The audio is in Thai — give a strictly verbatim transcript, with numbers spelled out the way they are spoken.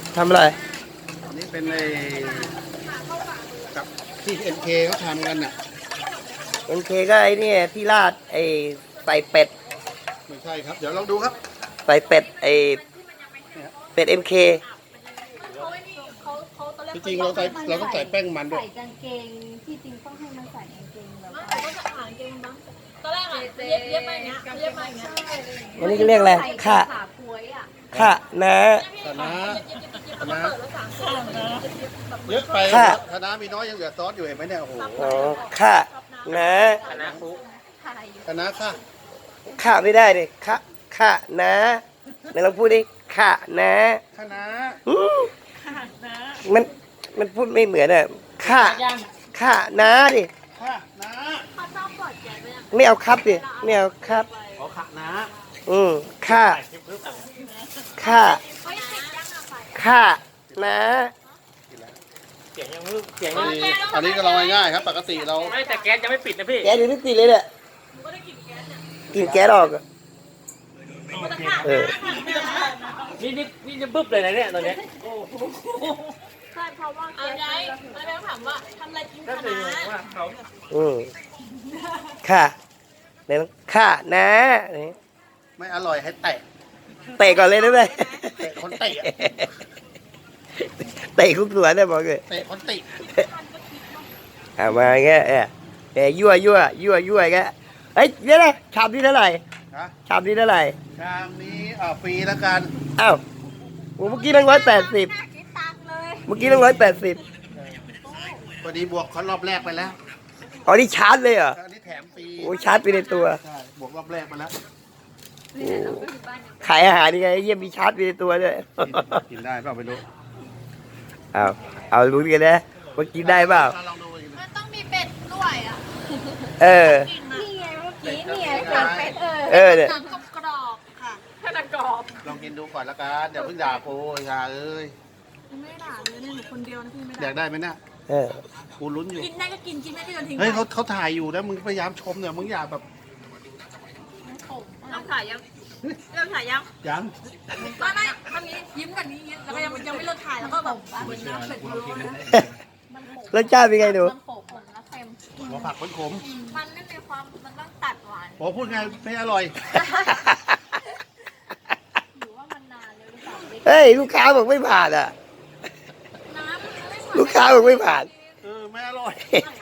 ทำอะไรอันนี้เป็นไอ้กับที่เอ็นเคเขาทำกันน่ะเอ็นเคก็ไอ้นี่ที่ราดไอ้ใส่เป็ดไม่ใช่ครับเดี๋ยวลองดูครับใส่เป็ดไอ้เป็ดเอ็มเคจริงๆเราใส่เราต้องใส่แป้งมันด้วยใส่กางเกงที่จริงต้องให้มันใส่กางเกงแบบว่าก็จะหางเกงบ้างตอนแรกอ่ะเย็บเย็บมาอย่างเงี้ยเย็บมาอย่างเงี้ยอันนี้เรียกอะไรข่าข่านะคณะคณะเยอะไปคณะมีน้อยยังเหลือซอสอยู่เห็นไหมเนี่ยโอ้โหอ๋อข่านะคณะคุคณะค่ะข่าไม่ได้ดิข่าข่านะไหนลองพูดดิข่านะคณะมันมันพูดไม่เหมือนอ่ะข่าข่านะดิค่ะนะไม่เอาครับดิไม่เอาครับขอขะนะอืมข่าข่าข่านะเสียงยังเสียงยังอันนี้ก็ลองง่ายๆครับปกติเราไม่แต่แก๊สยังไม่ปิดนะพี่แก๊สยังไม่ติดเลยเนี่ยกินแก๊สออกอ่ะเออนี่นี่นี่จะบึ้บเลยนะเนี่ยตอนนี้ใช่เพราะว่าเอาไงแล้วแม่ถามว่าทำอะไรกินคณะอืมค่ะเนี่ยค่ะนะไม่อร่อยให้เตะเตะก่อนเลยได้ไหมเตะคนเตะเตะคุกสวนได้บอกเลยเตะคนติเอามาแค่เออเอ้ยั่วยั่วยั่วยั่วแกเฮ้ยเดี๋ยวนะชามนี้เท่าไหร่ชามนี้เท่าไหร่ชามนี้อ่าฟรีแล้วกันอ้าวเมื่อกี้ตั้งร้อยแปดสิบเมื่อกี้ตั้งร้อยแปดสิบพอดีบวกเขารอบแรกไปแล้วอ๋อนี่ชาร์จเลยเหรออันนี้แถมฟรีโอ้ชาร์จไปในตัวใช่บวกรอบแรกไปแล้วขายอาหารยังไงเยี่ยมมีชาร์จไปในตัวด้วยกินได้เปล่าไม่รู้เอาเอารู้กันนะว่ากินได้เปล่ามันต้องมีเป็ดด้วยอ่ะเออนี่ไงเมื่อกี้เนี่ยเป็ดเออเออเนี่ยหนังกรอบค่ะแค่หนังกรอบลองกินดูก่อนละกันเดี๋ยวเพิ่งด่ากูอย่าเอ้ยไม่ด่าเลยเนี่ยหนูคนเดียวนะพี่ไม่ด่าอยากได้ไหมเนี่ยเออกูลุ้นอยู่กินได้ก็กินกินไม่ได้ก็ทิ้งเฮ้ยเขาเขาถ่ายอยู่นะมึงพยายามชมเนี่ยมึงอย่าแบบต้องถ่ายยังเริ่มถ่ายยังยังไม่ไม่ทำนี้ยิ้มกันนี้ยิ้มแล้วก็ยังยังไม่เลิกถ่ายแล้วก็แบบเหมือนน้ำเป็ดพะโล้นะรสชาติเป็นไงดูมันโขกผมนะเค็มหัวผักมันขมมันไม่มีความมันต้องตัดหวานโอ้พูดไงไม่อร่อยหรือว่ามันนานเลยหรือเปล่าเฮ้ยลูกค้าบอกไม่ผ่านอ่ะลูกค้าบอกไม่ผ่านเออไม่อร่อย